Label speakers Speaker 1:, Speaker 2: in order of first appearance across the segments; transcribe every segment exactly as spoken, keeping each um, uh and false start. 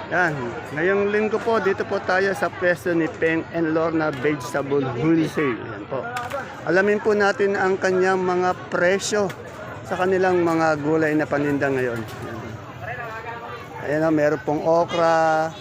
Speaker 1: Yan. Ngayong linggo po, dito po tayo sa pwesto ni Peng and Lorna Vegetable Wholesale. Yan po. Alamin po natin ang kanyang mga presyo sa kanilang mga gulay na paninda ngayon. Yan. Ayan o, meron pong okra,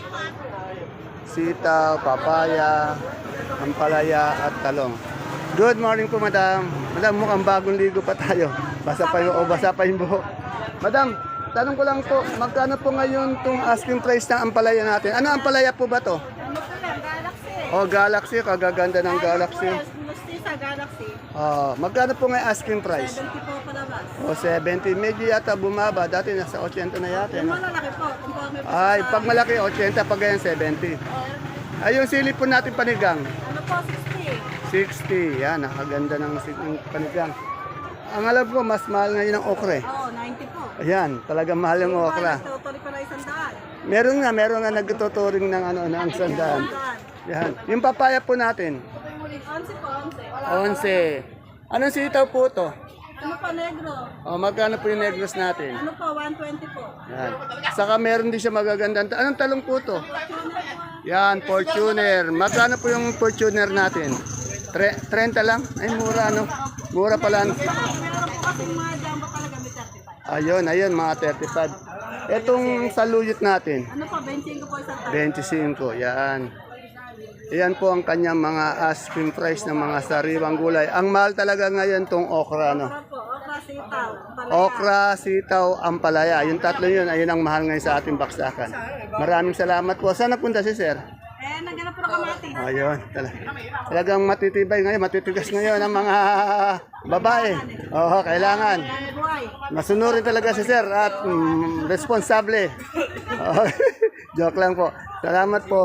Speaker 1: sitaw, papaya, ampalaya at talong. Good morning po, madam. Madam, mukhang bagong ligo pa tayo. Basa pa yung, o basa pa yung buhok. Madam, tanong ko lang po, magkano po ngayon itong asking price ng ampalaya natin? Ano ampalaya po ba to?
Speaker 2: Ano po yan? Galaxy.
Speaker 1: Oh, Galaxy, kagaganda ng Galaxy.
Speaker 2: Yes, musti sa Galaxy.
Speaker 1: Oh, magkano po ngayon asking price?
Speaker 2: seventy po palabas.
Speaker 1: Oh, seventy. Medyo yata bumaba. Dati nasa eighty na yata.
Speaker 2: Yung
Speaker 1: No?
Speaker 2: malalaki po, kung po may
Speaker 1: Ay, pag malaki, eighty. Pag ganyan, seventy. Ay, yung sili po natin panigang.
Speaker 2: Ano po, sixty.
Speaker 1: sixty. Yan, nakaganda ng si- ng panigang. Ang alam ko, mas mahal ngayon ang okra eh.
Speaker 2: Oo, ninety po.
Speaker 1: Ayan, talagang mahal yung okra.
Speaker 2: Totally pala isang daan.
Speaker 1: Meron nga, meron nga nagtuturing ng ano, ng sandaan. Yan. Yung papaya po natin,
Speaker 2: Onse po, onse.
Speaker 1: onse. Anong sitaw po to?
Speaker 2: Ano po, negro?
Speaker 1: O, magkano po yung negros natin?
Speaker 2: Ano po, one twenty po.
Speaker 1: Yan. Saka meron din siya magaganda. Anong talong po to? Yan, Fortuner. Magkano po yung Fortuner natin? Tre trenta lang? Ay, mura no? Mura pala.
Speaker 2: Meron po kasing mga jumbo talaga may thirty-five.
Speaker 1: Ayun, ayun, mga thirty-five. Etong saluyot natin,
Speaker 2: Ano po, twenty-five po isang daan.
Speaker 1: twenty-five. Yan. Yan po ang kanyang mga asking price ng mga sariwang gulay. Ang mahal talaga ngayon tong okra, no?
Speaker 2: Okra po, okra sitaw. Palaya.
Speaker 1: Okra, sitaw, ampalaya. Yung tatlo yun, ayun ang mahal ngayon sa ating baksakan. Maraming salamat po. Saan napunta si sir?
Speaker 2: Eh, nandiyan na po na kamatis.
Speaker 1: Ayun, tala. Talagang matitibay ngayon, matitigas ngayon ang mga babae. Oo, kailangan.
Speaker 2: Eh, buhay.
Speaker 1: Masunurin talaga si sir at mm, responsable. Oo. Joke lang po. Salamat po.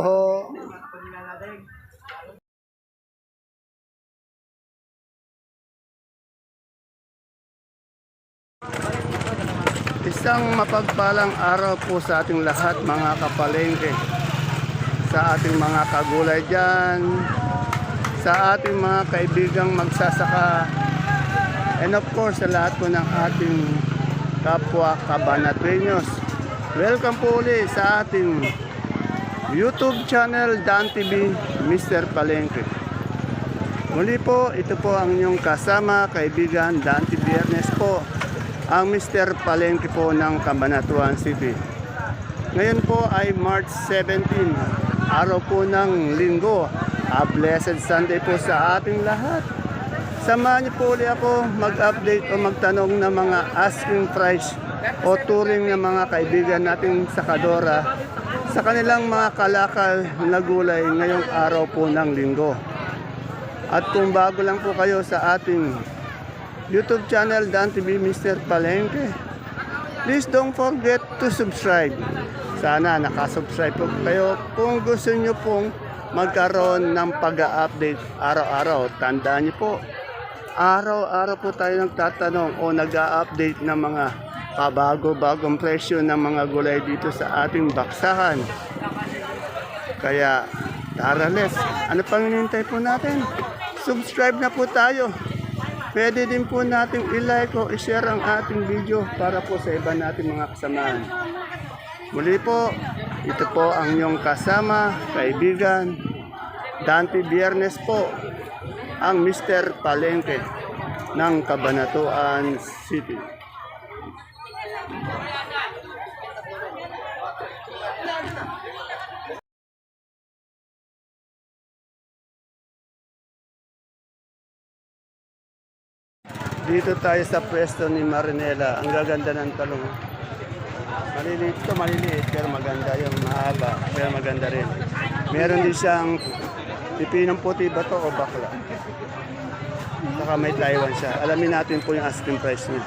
Speaker 1: Isang mapagpalang araw po sa ating lahat mga kapalengke, sa ating mga kagulay dyan, sa ating mga kaibigang magsasaka, and of course sa lahat po ng ating kapwa kabanatrenyos. Welcome po ulit sa ating YouTube channel Dan T V, Mister Palengke. Muli po, ito po ang inyong kasama, kaibigan Dante Biernes po, ang Mister Palengke po ng Cabanatuan City. Ngayon po ay March seventeenth, araw po ng linggo. A blessed Sunday po sa ating lahat. Samahan niyo po ulit ako mag-update o magtanong ng mga asking price o turing ng mga kaibigan nating sakadora sa kanilang mga kalakal na gulay ngayong araw po ng linggo. At kung bago lang po kayo sa ating YouTube channel Dan T V Mister Palengke, please don't forget to subscribe. Sana nakasubscribe po kayo kung gusto nyo pong magkaroon ng pag-update araw-araw. Tandaan nyo po, araw-araw po tayo nagtatanong o nag-update ng mga pabago-bagong presyo ng mga gulay dito sa ating baksakan. Kaya tara, let's. Ano pang hinihintay po natin? Subscribe na po tayo. Pwede din po natin i-like o i-share ang ating video para po sa iba nating mga kasamahan. Muli po, ito po ang inyong kasama, kaibigan, Dante Biernes po, ang Mister Palengke ng Cabanatuan City. Dito tayo sa pwesto ni Marinela. Ang gaganda ng talong. Maliliit to, maliliit. Pero maganda yung mahaba. Pero maganda rin. Meron din siyang pipinong puti ba to o bakla. Saka may Taiwan siya. Alamin natin po yung asking price niya.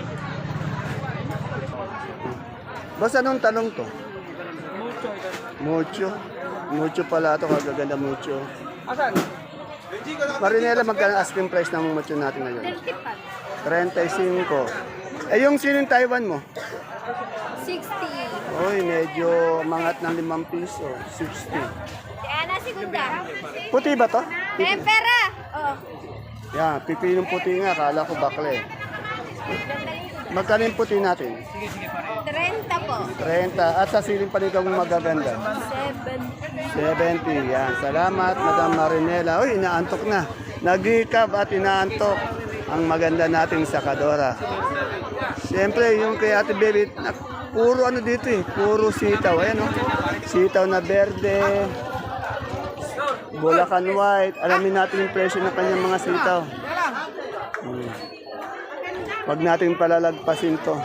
Speaker 1: Boss, anong talong to? Mucho. Mucho pala to. Kagaganda mucho.
Speaker 2: Asan?
Speaker 1: Marinela, magkano asking price ng mucho natin ngayon? thirty-five. Eh, yung siling Taiwan mo?
Speaker 3: sixty.
Speaker 1: Uy, medyo mangat ng limang piso. sixty.
Speaker 3: Ana segunda.
Speaker 1: Puti ba to?
Speaker 3: Tempera. Oh.
Speaker 1: Yan, pipinong puti nga. Kala ko bakle. Magkano yung puti natin?
Speaker 3: thirty po.
Speaker 1: thirty. At sa siling panigang magaganda?
Speaker 3: seventy.
Speaker 1: seventy. Yan. Salamat, Madam Marinela. Uy, inaantok na. Nag-recap at inaantok ang maganda nating sakadora. Siyempre, yung kay Ate Baby, na- puro ano dito eh. Puro sitaw. Ayan o. Sitaw na berde. Bulacan white. Alamin natin yung presyo ng kanyang mga sitaw. Hmm. Huwag natin palalagpasin to.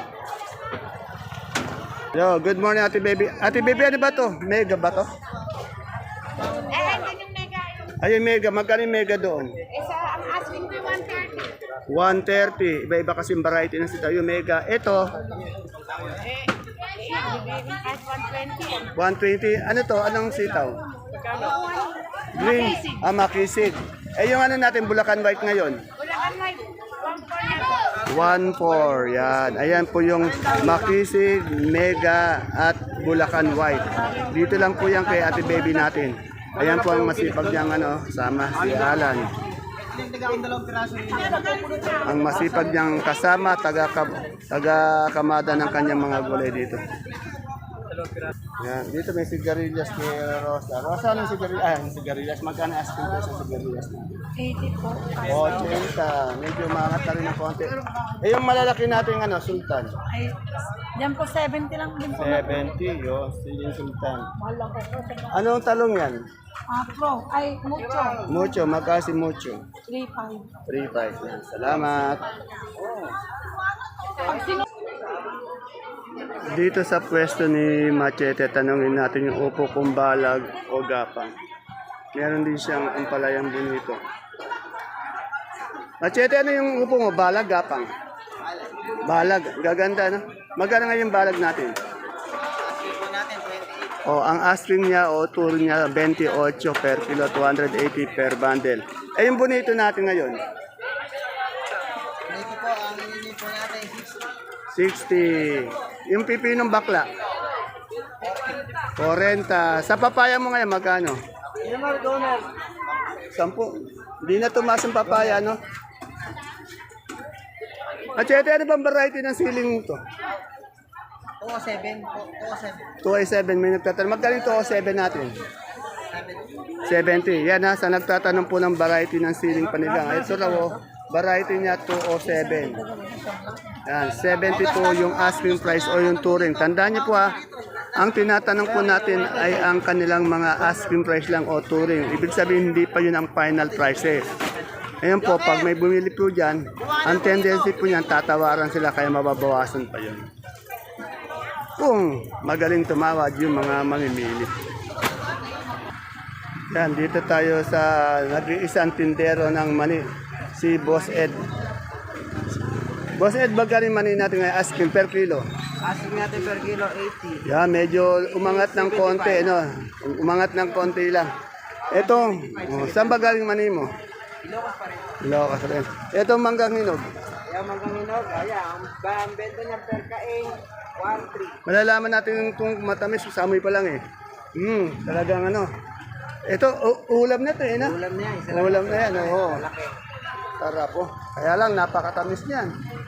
Speaker 1: Yo, good morning Ate Baby. Ate Baby, ano ba to? Mega ba to? Ayun, mega. Magkano yung mega doon?
Speaker 3: Isa, ang asking ko one thirty.
Speaker 1: one thirty. Iba-iba kasi yung variety ng sitaw. Yung mega. Ito,
Speaker 3: At one twenty.
Speaker 1: one twenty. Ano to? Anong sitaw? Green. Ah, makisig. Eh, yung ano natin, Bulacan white ngayon?
Speaker 3: Bulacan white.
Speaker 1: one
Speaker 3: one four.
Speaker 1: four. Yan. Ayan po yung makisig, mega, at Bulacan white. Dito lang po yan kay Ate Baby natin. Ayan po ang masipag niyang ano, sama si Alan. Ang masipag niyang kasama, taga, taga kamada ng kanyang mga gulay dito. Yan. Dito may sigarilyas ni Rosa. Rosa, anong sigarilyas? Ah, sigarilyas. Magkano asking price sa sigarilyas natin?
Speaker 3: eighty po.
Speaker 1: eighty. Medyo umangat na rin ng konti. Eh, yung malalaki natin, ano, Sultan?
Speaker 2: Ay, yan po seventy lang din po.
Speaker 1: seventy, yun. Siling Sultan.
Speaker 2: Mahal lang po.
Speaker 1: Anong talong yan?
Speaker 2: Ah, pro. Ay, mucho.
Speaker 1: Mucho, magkasi mucho.
Speaker 2: three five.
Speaker 1: three five yan. Salamat. Dito sa pwesto ni Machete, tanongin natin yung upo kung balag o gapang. Meron din siyang ampalayang bonito. Machete, ano yung upo mo? Balag, gapang? Balag. Gaganda, no? Magkano nga yung balag natin? O, ang asking niya o tour niya, twenty-eight per kilo, two hundred eighty per bundle. Eh, yung bonito natin ngayon?
Speaker 4: Ito po, ang hinihingi po natin,
Speaker 1: sixty. Yung pipinong bakla? forty. Sa papaya mo ngayon, magkano?
Speaker 4: Inamar donor.
Speaker 1: Sampu. Hindi na tumaas ang papaya, no? Machete, ano bang variety ng siling to?
Speaker 4: two oh seven po, two oh seven.
Speaker 1: two oh seven, may nagtatanong. Magkano yung two oh seven natin? seventy. Yan ha, sa nagtatanong po ng variety ng siling panigang. Ito raw, oh, variety niya two oh seven. Yan, seventy-two yung asking price o yung touring. Tandaan niyo po ha, ang tinatanong po natin ay ang kanilang mga asking price lang o touring. Ibig sabihin, hindi pa yun ang final prices. Ngayon po, pag may bumili po dyan, ang tendency po niyan, tatawaran sila kaya mababawasan pa yun. Kung magaling tumawad yung mga mamimili. Yan, dito tayo sa nag-iisang tindero ng mani, si Boss Ed. Boss Ed, bagay mani natin ngayon, asking per kilo.
Speaker 4: Asking natin per kilo, eighty.
Speaker 1: Yan, medyo umangat ng konti, no? Umangat ng konti lang. Ito, oh, saan ba galing mani mo?
Speaker 4: Ilocos pa rin.
Speaker 1: Ilocos rin. Ito, manggang hinog.
Speaker 4: Kaya manggang hinog, ayan, ang ang benta niya per kaing, one three.
Speaker 1: Malalaman natin kung matamis, sa amoy pa lang eh. Hmm, talagang ano. Ito, u- ulam na to eh, na?
Speaker 4: Ulam niya, isa lang.
Speaker 1: Ulam na yan, oo.
Speaker 4: Malaki.
Speaker 1: Sarap po. Kaya lang, napakatamis niyan.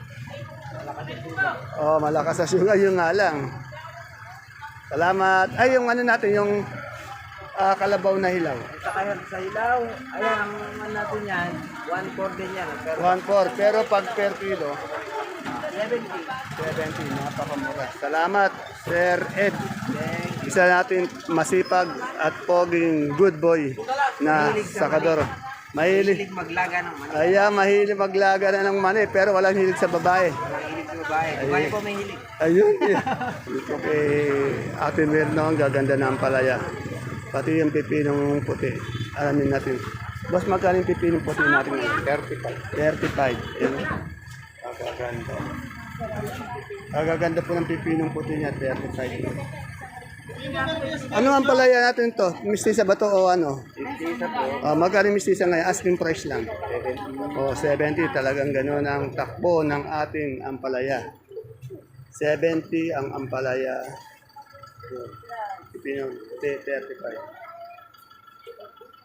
Speaker 1: Oh, malakas sa sugar, yung nga lang. Salamat. Ay, yung ano natin, yung ah, kalabaw na hilaw.
Speaker 4: Sa kaya sa ilaw, ayan, ang ano natin yan, one four din yan. Pero
Speaker 1: one four. Pero pag per kilo,
Speaker 4: seventy.
Speaker 1: seventy. Napakamura. Salamat, Sir Ed. Isa natin masipag at poging good boy na sakador. Mahilig.
Speaker 4: Hilig maglaga ng mani.
Speaker 1: Aya, mahilig maglaga na ng mani, pero walang hilig sa babae.
Speaker 4: Hilig sa babae. Babae po may hilig.
Speaker 1: Ayun. Ito kay Ate Mirna, ang gaganda ng palaya. Pati yung pipinong puti. Alamin natin. Boss, magkano yung pipinong puti natin? thirty-five. thirty-five. Yan. Agaganda. Agaganda po ng pipinong puti niya, thirty-five. Ano ang palaya natin to? Mistisa ba to o ano?
Speaker 4: Mistisa po.
Speaker 1: Uh, magkano yung mistisa ngayon? Asking price lang. O, seventy. Talagang gano'n ang takbo ng ating ampalaya. seventy ang ampalaya. Pipinong thirty-five.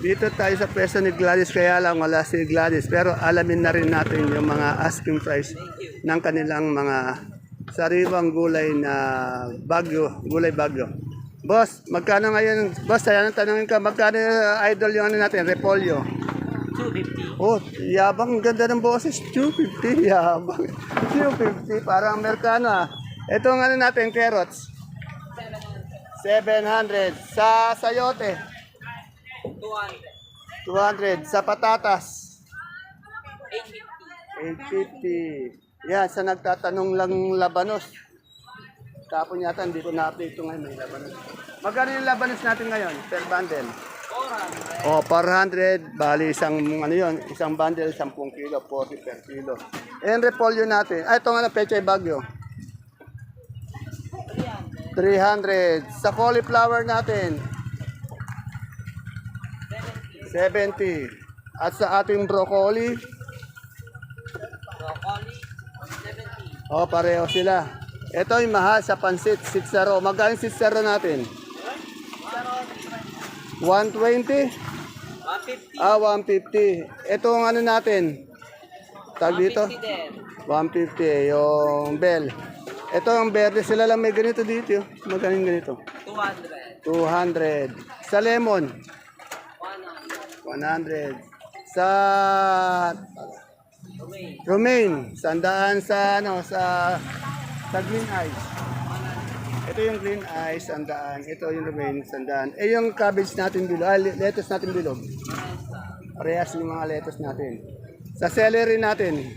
Speaker 1: Dito tayo sa pwesto ni Gladys, kaya lang wala si Gladys. Pero alamin na rin natin yung mga asking price ng kanilang mga sariwang gulay na bagyo, gulay bagyo. Boss, magkano ngayon? Boss, saya nang tanongin ka, magkano uh, idol yung ano natin, repolyo?
Speaker 4: two fifty.
Speaker 1: Oh, yabang, ganda ng boses. two fifty, yabang. two fifty, parang Amerikano ah. Ito ang ano natin, carrots. seven hundred. Sa sayote,
Speaker 4: two hundred.
Speaker 1: two hundred. Sa patatas,
Speaker 4: eight fifty.
Speaker 1: eight fifty. Yan, sa nagtatanong lang labanos. Tapon yata, hindi ko na-update ito ngayon, may labanos. Magkano yung labanos natin ngayon, per bundle?
Speaker 4: four hundred.
Speaker 1: O, four hundred, bali isang, ano yun, isang bundle, ten kilo, forty per kilo. Eh, yung repolyo natin, ay, ito nga na, pechay bagyo. three hundred. Sa cauliflower natin, seventy. At sa ating broccoli,
Speaker 4: Broccoli, seventy.
Speaker 1: oh, pareho sila. Ito yung mahal sa pansit, six zero. Magkano six zero natin? one twenty?
Speaker 4: one fifty.
Speaker 1: Ah, one fifty. Ito ang ano natin? Tag dito?
Speaker 4: one fifty din.
Speaker 1: one fifty, yung bell. Ito ang berde, sila lang may ganito dito. Yo. Magkano yung ganito?
Speaker 4: two hundred.
Speaker 1: two hundred. Sa lemon,
Speaker 4: one hundred.
Speaker 1: one hundred. Sa
Speaker 4: Romaine.
Speaker 1: romaine, sandaan sa ano, sa sa green eyes. Ito yung green eyes, sandaan. Ito yung romaine, sandaan. Eh yung cabbage natin bilog, ah, lettuce natin bilog. Parehas yung mga lettuce natin. Sa celery natin,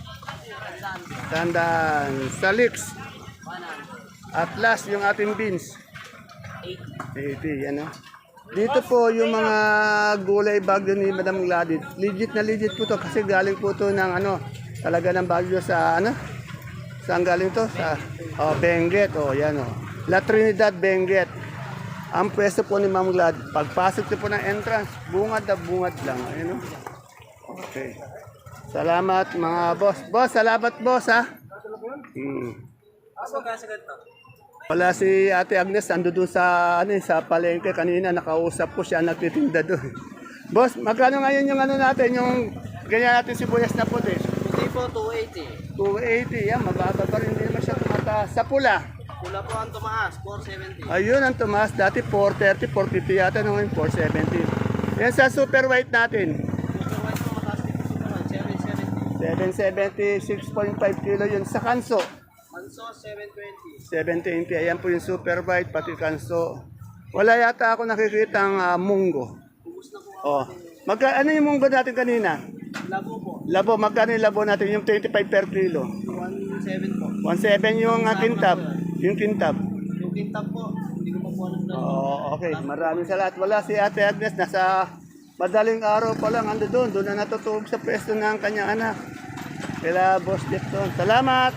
Speaker 1: sandaan. Sa leeks, at last yung ating beans, eighty, ano. Dito po yung mga gulay bagyo ni Madam Gladys. Legit na legit po to kasi galing po to ng ano, talaga ng bagyo sa ano? Saan galing to? Sa oh, Benguet, oh, yan oh. La Trinidad, Benguet. Ang pwesto po ni Ma'am Glad, pagpasok niyo po ng entrance, bungad na bungad lang. Ayun oh. Okay. Salamat mga boss. Boss, salamat boss ha. Hmm.
Speaker 4: Mas magkasa ganito.
Speaker 1: Wala si Ate Agnes, ando doon sa, ano, eh, sa palengke kanina, nakausap ko siya, nagtitinda doon. Boss, magkano ngayon yung ano natin, yung ganyan natin sibuyas na puti?
Speaker 4: Puti po, two eighty.
Speaker 1: two eighty, yan, mababa pa rin, hindi naman siya tumataas. Sa pula,
Speaker 4: Pula po ang tumaas, four seventy.
Speaker 1: ayun ang tumaas, dati four thirty, four fifty yata, no, ngayon four seventy. Yan sa super white natin,
Speaker 4: Super white po, mataas din po super white, seven seventy.
Speaker 1: seven seventy, six point five kilo yun. Sa kanso,
Speaker 4: Manso, seven twenty.
Speaker 1: seven twenty, ayan po yung super white, pati kanso. Wala yata ako nakikita ang ah, munggo.
Speaker 4: Ubus na po.
Speaker 1: Oh. Magka, ano yung munggo natin kanina?
Speaker 4: Labo po,
Speaker 1: Labo, magkano yung labo natin? Yung twenty-five per kilo.
Speaker 4: one seven po.
Speaker 1: one seven yung uh, kintab. Yung kintab.
Speaker 4: Yung kintab po, hindi ko pa po alam na.
Speaker 1: Oo, okay. Maraming salamat. Wala si Ate Agnes. Nasa madaling araw pa lang. Ando doon. Doon na natutulog sa pwesto ng kanyang anak. Kila Boss Jeff doon. Salamat!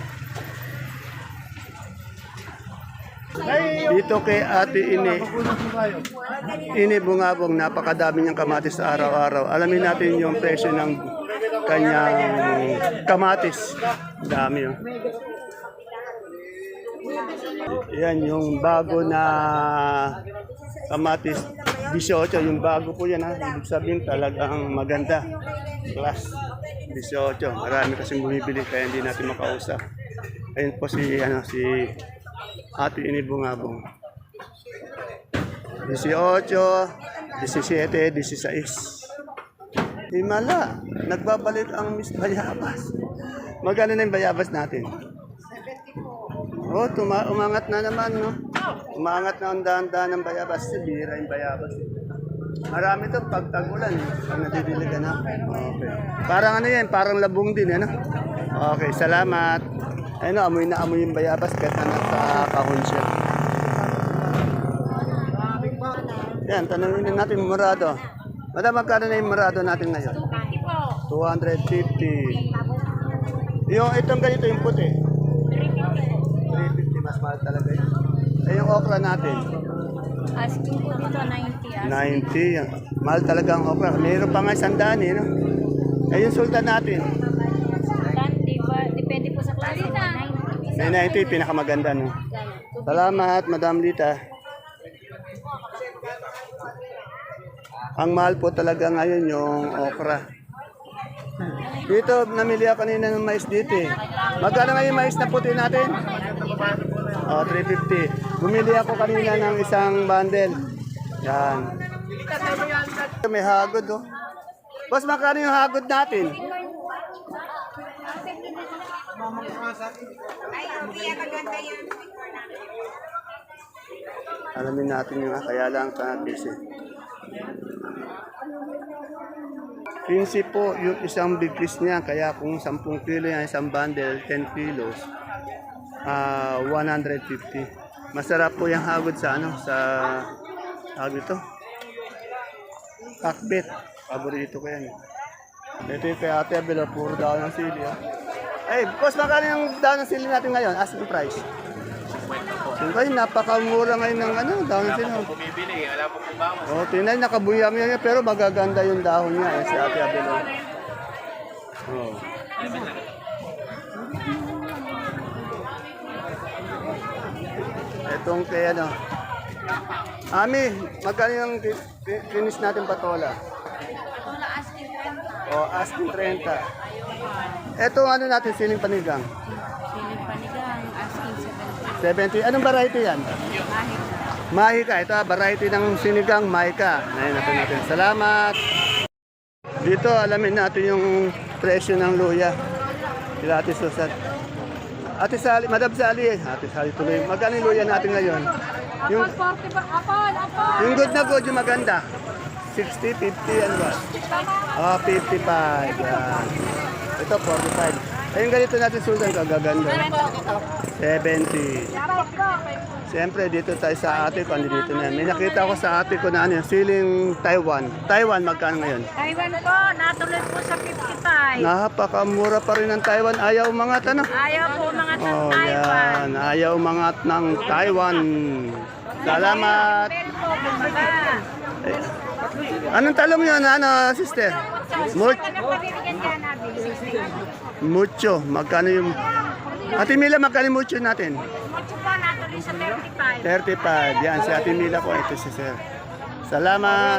Speaker 1: Dito kay Ate Ini, Ini Bungabong, napakadami niyang kamatis sa araw-araw. Alamin natin yung presyo ng kanyang kamatis. Dami yun. Yan yung bago na kamatis. eighteen, yung bago po yan ha. Ibig sabihin talagang maganda. Plus eighteen. Marami kasing bumibili kaya hindi natin makausap. Ayun po si, ano, si Ate Ini Bungabong. eighteen, seventeen, sixteen. Himala, nagbabalik ang Miss Bayabas. Magkano na yung Bayabas natin? Oh, tuma umangat na naman, no? Umangat na ang dahan-dahan ng Bayabas. Sibira yung Bayabas. Marami to pag tag-ulan, eh. Pag nadidiligan na. Okay. Parang ano yan, parang labong din, ano? Okay, salamat. Ayun, amoy na amoy yung Bayabas kahit na nasa kahon siya. Yan, tanongin na natin yung Murado. Madam, magkano na yung Murado natin ngayon? two fifty. Yung itong ganito yung puti. three fifty, mas mahal talaga yun. Eh, yung okra natin.
Speaker 3: Asking po dito, ninety.
Speaker 1: ninety. Yan. Mahal talaga ang okra. Mayroon pa nga isang daan, eh, no? Eh, yung sultan natin.
Speaker 3: Di ba, depende po sa klase. ninety.
Speaker 1: May ninety, pinakamaganda, no? Salamat, Madam Lita. Ang mahal po talaga ngayon yung okra. Dito, namili ako kanina ng mais dito eh. Magkano nga yung mais na puti natin? Oh, three fifty. Bumili ako kanina ng isang bundle. Yan. May hagod oh. Boss, magkano yung hagod natin? Alamin natin yung kaya lang sa busy. quince po yung isang big piece niya, kaya kung ten kilo yan, isang bundle, ten kilos, ah one hundred fifty. Masarap po yung hagod sa ano, sa hagod ito. Kakbet, paborito ko yan. Ito yung kay Ate Abel, puro daw ng sili. Ah. Ay, boss, magkano yung daw ng sili natin ngayon? Asking price. Siyempre, napakamura ngayon ng ano, dahon ng sili.
Speaker 5: Bumibili, wala po kung ba.
Speaker 1: Oh, tingnan, nakabuyam yan, pero magaganda yung dahon niya, eh, si Ate Abel. Oh. Itong kay ano. Ami, magkano yung ki- ki- finish natin patola?
Speaker 3: Patola asking thirty.
Speaker 1: O, asking thirty. Itong ano natin, siling panigang?
Speaker 3: Siling panigang asking seventy.
Speaker 1: seventy. Anong variety yan?
Speaker 3: Kahit
Speaker 1: Mahika. Ito, ah, variety ng sinigang, mahika. Ngayon natin natin. Salamat. Dito, alamin natin yung presyo ng luya. Sila Ate Susan. Ate Sally, Madam Sally. Ate Sally tuloy. Magkano yung luya natin ngayon? Yung,
Speaker 2: forty ba? Apol, apol.
Speaker 1: yung good na good, yung maganda. sixty, fifty, ano ba? Oh, fifty-five. Yan. Ito, forty-five. Ayun ganito natin Susan, kagaganda. seventy. Siyempre, dito tayo sa ate ko, dito na yan. May nakita ko sa ate ko na ano, siling Taiwan. Taiwan, magkano ngayon?
Speaker 3: Taiwan po, natuloy po sa fifty-five.
Speaker 1: Napakamura pa rin ng Taiwan. Ayaw mga tanong.
Speaker 3: Ayaw po mga
Speaker 1: Oh,
Speaker 3: Taiwan.
Speaker 1: yan. Ayaw mga ng Taiwan. Salamat.
Speaker 3: Pero po, kumbaga.
Speaker 1: Anong talong yun, ano, sister? Mu-
Speaker 3: Nagpabibigyan ka natin.
Speaker 1: mucho. Magkano yung... Ate Mila, magkano yung mucho natin?
Speaker 3: Mucho po, natuloy sa thirty-five.
Speaker 1: thirty-five. Yan, si Ate Mila ko. Ito si sir. Salamat.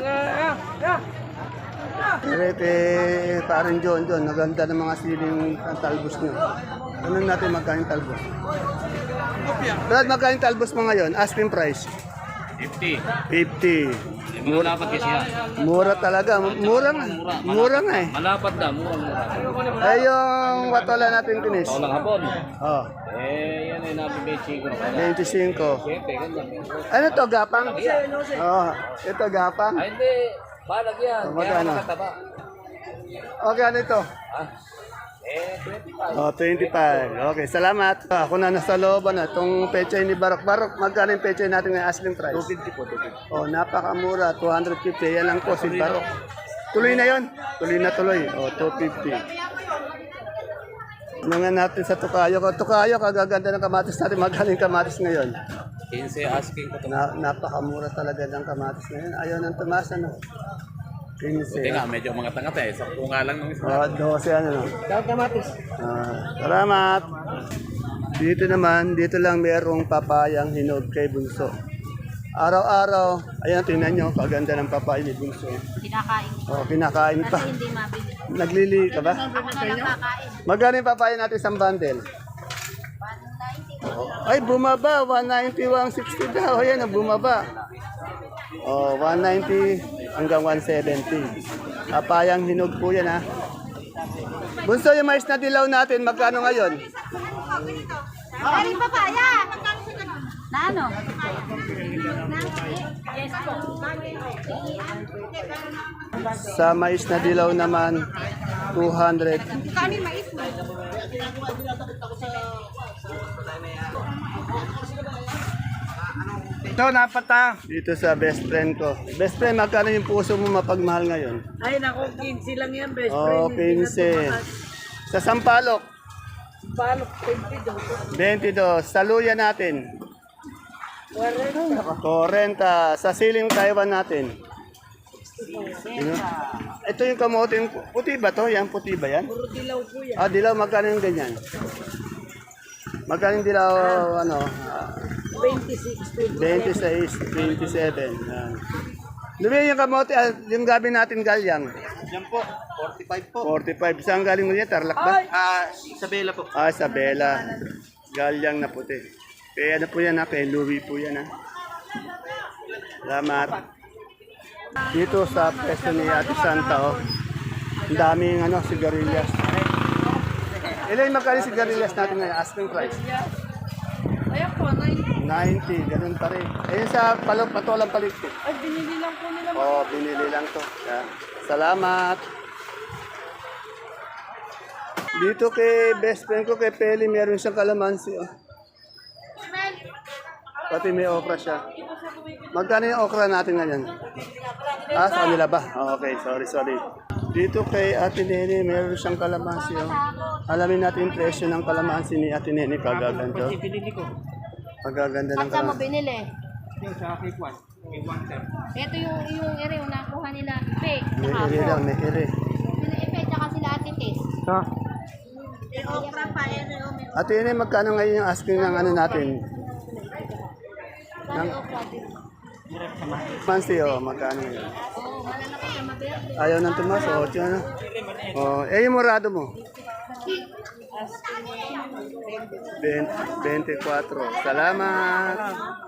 Speaker 1: Ete, parang John, John. Naganda ng mga siling ang talbos nyo. Ano natin magkano yung talbos? Brad, magkano yung talbos mo ngayon? Asking price?
Speaker 5: fifty.
Speaker 1: fifty.
Speaker 5: Malapad kasi yan.
Speaker 1: Mura talaga. Mura nga. Mura nga eh.
Speaker 5: Malapad na, mura mura.
Speaker 1: Eh, yung watola natin kinis.
Speaker 5: Walang hapon.
Speaker 1: Oh,
Speaker 5: Eh, yan ay nabibigay ko na pala.
Speaker 1: twenty-five.
Speaker 5: Siyempre, ganyan.
Speaker 1: Ano to, gapang? Oh, ito gapang.
Speaker 5: Ay, hindi. Balag yan.
Speaker 1: Oh,
Speaker 5: Kaya
Speaker 1: magkano?
Speaker 5: makataba.
Speaker 1: Okay, ano ito?
Speaker 5: Ah, eh, twenty-five.
Speaker 1: Oh, twenty-five. Okay, salamat. Ako na nasa looban na. Itong pechay ni Barok. Barok, magkano yung pechay natin ng asking price?
Speaker 5: two fifty po, two fifty.
Speaker 1: Oh, napakamura. two hundred fifty. Yan lang po si Barok. Tuloy na yon. Tuloy na tuloy. Oh, two fifty. Ano nga natin sa Tukayo? Tukayo, kagaganda ng kamatis natin. Magaling kamatis ngayon.
Speaker 5: quince asking ko to.
Speaker 1: Na, napakamura talaga ng kamatis ngayon. Ayaw ng tumas, ano? quince.
Speaker 5: Buti nga, medyo mga tangat eh. Sakto nga lang nung isa.
Speaker 1: Oh, twelve, ano, no? Ah, salamat. Dito naman, dito lang mayroong papayang hinog kay Bunso. Araw-araw, ayan, tingnan nyo, kaganda ng papaya ni Bunso.
Speaker 3: Kinakain.
Speaker 1: Oh, kinakain pa.
Speaker 3: Kasi hindi mabili.
Speaker 1: Naglili ka ba?
Speaker 3: Ako na lang kakain.
Speaker 1: Magkano yung papaya natin isang bundle? Oh, ay, bumaba. one ninety, one sixty daw. Ayan, ah, bumaba. Oh, one ninety hanggang one seventy. Papayang hinog po yan, ha. Bunso, yung mais na dilaw natin, magkano ngayon?
Speaker 3: Galing papaya. Na ano? Yes po.
Speaker 1: Sa mais na dilaw naman, two hundred.
Speaker 3: Kani mais mo?
Speaker 4: Ito, napata.
Speaker 1: Dito sa best friend ko. Best friend, magkano yung puso mo mapagmahal ngayon?
Speaker 2: Ay, naku, quince lang yan, best
Speaker 1: Oh, quince. Sa Sampalok,
Speaker 2: Balok, twenty-two.
Speaker 1: twenty-two. Sa luya natin, forty. Sa siling Taiwan natin. Yun. Ito yung kamote. Puti ba to? Yan, puti ba yan?
Speaker 2: Puro dilaw po yan.
Speaker 1: Ah, dilaw. Magkano yung ganyan? Magkano yung dilaw, ano? ah,
Speaker 2: twenty-six, twenty.
Speaker 1: twenty-six, twenty-seven. Yan. Lumi yung kamote, ah, yung gabi natin galyang.
Speaker 4: Yan po, forty-five po.
Speaker 1: forty-five. Saan galing mo yan? Tarlac ba?
Speaker 4: Ah, Isabela po.
Speaker 1: Ah, Isabela. Galyang na puti. Kaya ano po yan ha? Kay Louie po yan ha. Salamat. Dito sa pwesto ni Ate Santa oh. Ang daming ano, sigarilyas. Ilan yung magkali sigarilyas natin ngayon? Asking price.
Speaker 2: Ayan po, ninety.
Speaker 1: ninety, ganun pa rin. Ayun sa palok, patolang palikpik.
Speaker 2: Ay, binili lang po nila.
Speaker 1: Oo, oh, binili lang to. Yan. Salamat. Dito kay best friend ko, kay Peli, meron siyang kalamansi. Oh. Pati may okra siya. Magkano yung okra natin ngayon? Ah, sa kanila ba? Oh, okay, sorry, sorry. Dito kay Ate Nene, meron siyang kalamansi. Oh. Alamin natin yung presyo ng kalamansi ni Ate Nene. Kagaganda. Kagaganda ng
Speaker 3: At saan mo
Speaker 1: kalamansi.
Speaker 3: binili?
Speaker 4: Yung sa cake one. Cake one, sir.
Speaker 3: Ito yung, yung ere, yung nakuha nila. Ipe.
Speaker 1: May
Speaker 3: Tsaka
Speaker 1: ere
Speaker 3: ako.
Speaker 1: lang, may ere.
Speaker 3: Sila Ipe, tsaka sila Ate Tess.
Speaker 1: Ha?
Speaker 3: Okra pa, ere, o may
Speaker 1: Ate Nene, magkano ngayon yung asking ng ano natin?
Speaker 3: Saan yung okra din?
Speaker 1: Mansi, oh, magkano ngayon?
Speaker 3: Oo, malalaki siya maberde.
Speaker 1: Ayaw ng tumas, oh, tiyan na. Oh, eh, yung murado mo? twenty-four. Salamat.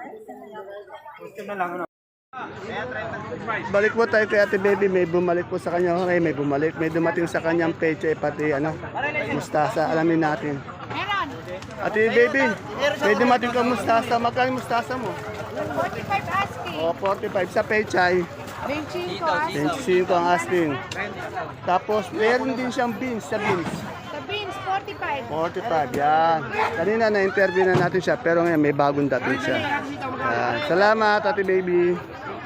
Speaker 1: Balik po tayo kay Ate Baby, may bumalik po sa kanya, okay, may bumalik, may dumating sa kanyang peche, pati ano, mustasa, alamin natin.
Speaker 3: Meron.
Speaker 1: Ate Baby, may dumating ka mustasa, magkano yung mustasa mo?
Speaker 3: forty-five asking.
Speaker 1: O, forty-five sa pechay,
Speaker 3: twenty-five asking.
Speaker 1: twenty-five ang asking. Tapos, meron din siyang beans sa beans.
Speaker 3: Sa beans, forty-five.
Speaker 1: forty-five, yan. Kanina na-interview na natin siya, pero ngayon may bagong dating siya. Yan. Salamat, Ate Baby.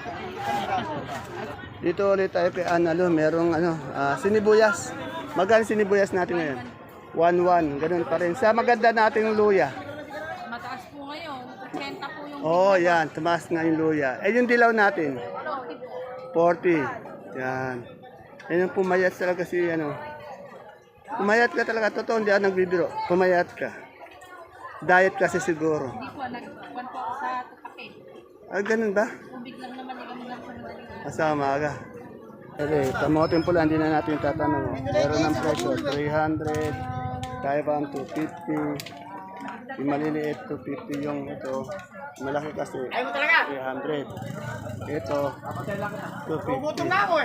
Speaker 1: Dito ulit tayo kay Analo, merong ano, ah, sinibuyas. Magkano sinibuyas natin ngayon? one one, ganun pa rin. Sa maganda nating luya.
Speaker 3: Mataas po ngayon. eighty po yung
Speaker 1: Oh, yan, tumaas nga yung luya. Eh, yung dilaw natin? forty. Yan. Yan yung pumayat talaga si ano. Pumayat ka talaga, totoo, hindi ako nagbibiro. Pumayat ka. Diet kasi siguro.
Speaker 3: Hindi po, nag-one po ako sa Tupake.
Speaker 1: Ah, ganun ba?
Speaker 3: Tubig lang naman, eh, kami lang po naman.
Speaker 1: Masama ka. Okay, kamoting pula, hindi na natin tatanong. Meron ng presyo, three hundred, Taiwan two fifty, yung maliliit two fifty yung ito, malaki kasi three hundred. Ito, two fifty.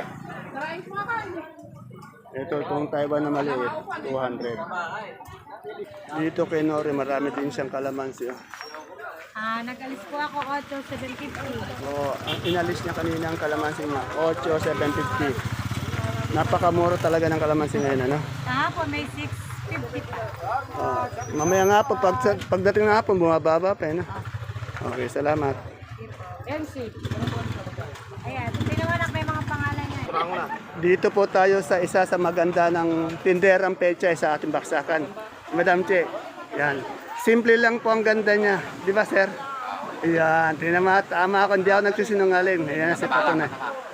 Speaker 1: Ito, itong Taiwan na maliit, two hundred. Dito kay Nori, marami din siyang kalamansi. Oh.
Speaker 3: Ah, nag-alis po ako eight seven fifty.
Speaker 1: So, ang inalis niya kanina ang kalamansi niya, eight seven fifty. Napakamura talaga ng kalamansi ngayon, ano?
Speaker 3: Kahapon may six fifty pa.
Speaker 1: Oh, mamaya nga po, pag, pagdating nga po, bumababa pa, ano? Okay, salamat.
Speaker 3: M C. Ayan, tinawanak may mga pangalan niya.
Speaker 1: Dito po tayo sa isa sa maganda ng tinderang pechay sa ating baksakan. Madam Che, yan. Simple lang po ang ganda niya. Di ba, sir? Yan, tinama, tama ako. Hindi ako nagsisinungaling. Ayan, si Patunay.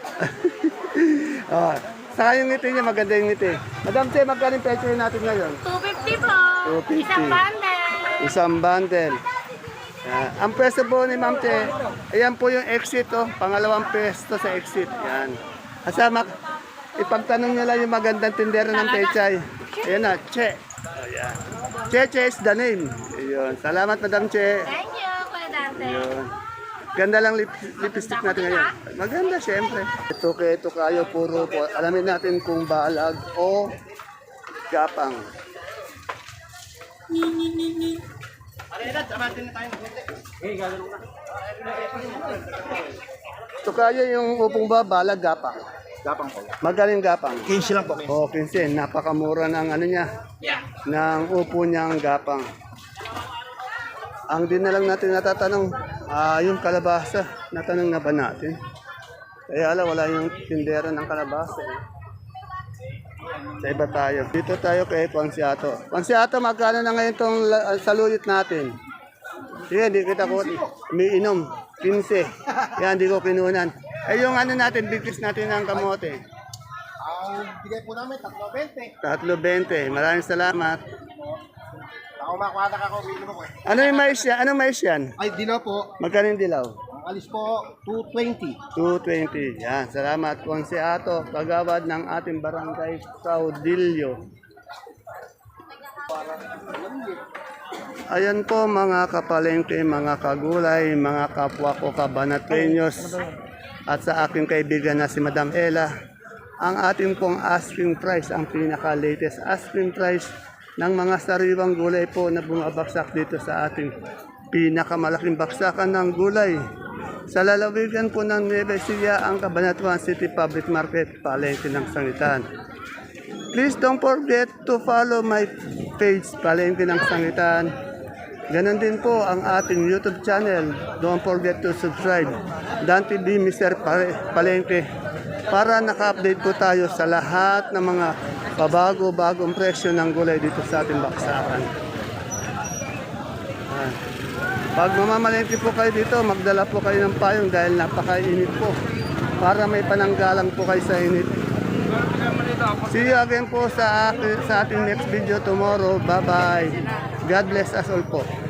Speaker 1: Oh, saka yung ngiti niya, maganda yung ngiti. Madam Che, magkano yung pechay natin ngayon?
Speaker 3: two fifty po.
Speaker 1: two fifty.
Speaker 3: Isang bundle.
Speaker 1: Isang bundle. Yan. Ang pwesto po ni Ma'am Che, ayan po yung exit, oh. Pangalawang pwesto sa exit. Yan. Asama, ipagtanong niyo lang yung magandang tindera ng pechay. Ayan na, Che. Ayan. Che, Che is the name. Ayun. Salamat, Madam Che.
Speaker 3: Thank you, Kuya Dante.
Speaker 1: Ayun. Ganda lang lip lipstick natin ngayon. Maganda, syempre. Ito kay ito kayo, puro po. Alamin natin kung balag o gapang. Ito kayo yung upong ba, balag, gapang.
Speaker 4: Gapang po.
Speaker 1: Magaling gapang.
Speaker 4: quince lang po.
Speaker 1: O, pinsin, napakamura ng ano niya, ng upo niyang gapang. Ang din na lang natin natatanong, ah, yung kalabasa, natanong na ba natin? Kaya ala, wala yung tindera ng kalabasa. Eh. Sa iba tayo. Dito tayo kay Pansiato. Pansiato, magkano na ngayon itong la- saluyot natin? Sige, hindi kita ko. May inom. quince. Yan, hindi ko kinunan. Eh, yung ano natin, bigkis natin ng kamote.
Speaker 4: Ang bigay po namin, tatlo bente.
Speaker 1: Tatlo bente. Maraming salamat.
Speaker 4: Ako makuha na ako, uwi mo po eh.
Speaker 1: Ano yung mais yan? Anong mais yan?
Speaker 4: Ay, dilaw po.
Speaker 1: Magkano yung dilaw?
Speaker 6: Ang alis po, two twenty.
Speaker 1: two twenty. Yan, salamat. Konseato, kagawad ng ating barangay Caudillo. Ayan po mga kapalengke, mga kagulay, mga kapwa ko kabanatenyos at sa aking kaibigan na si Madam Ella. Ang ating pong asking price, ang pinaka-latest asking price ng mga sariwang gulay po na bumabaksak dito sa ating pinakamalaking baksakan ng gulay. Sa lalawigan po ng Nueva Ecija, ang Cabanatuan City Public Market, palengke ng Sangitan. Please don't forget to follow my page, Palengke ng Sangitan. Ganon din po ang ating YouTube channel. Don't forget to subscribe. Dan T V, Mister Pare- Palengke. Para naka-update po tayo sa lahat ng mga pabago-bagong presyo ng gulay dito sa ating baksakan. Ah. Pag mamamalengke po kayo dito, magdala po kayo ng payong dahil napakainit po. Para may pananggalang po kayo sa init. See you again po sa, sa ating next video tomorrow. Bye-bye. God bless us all po.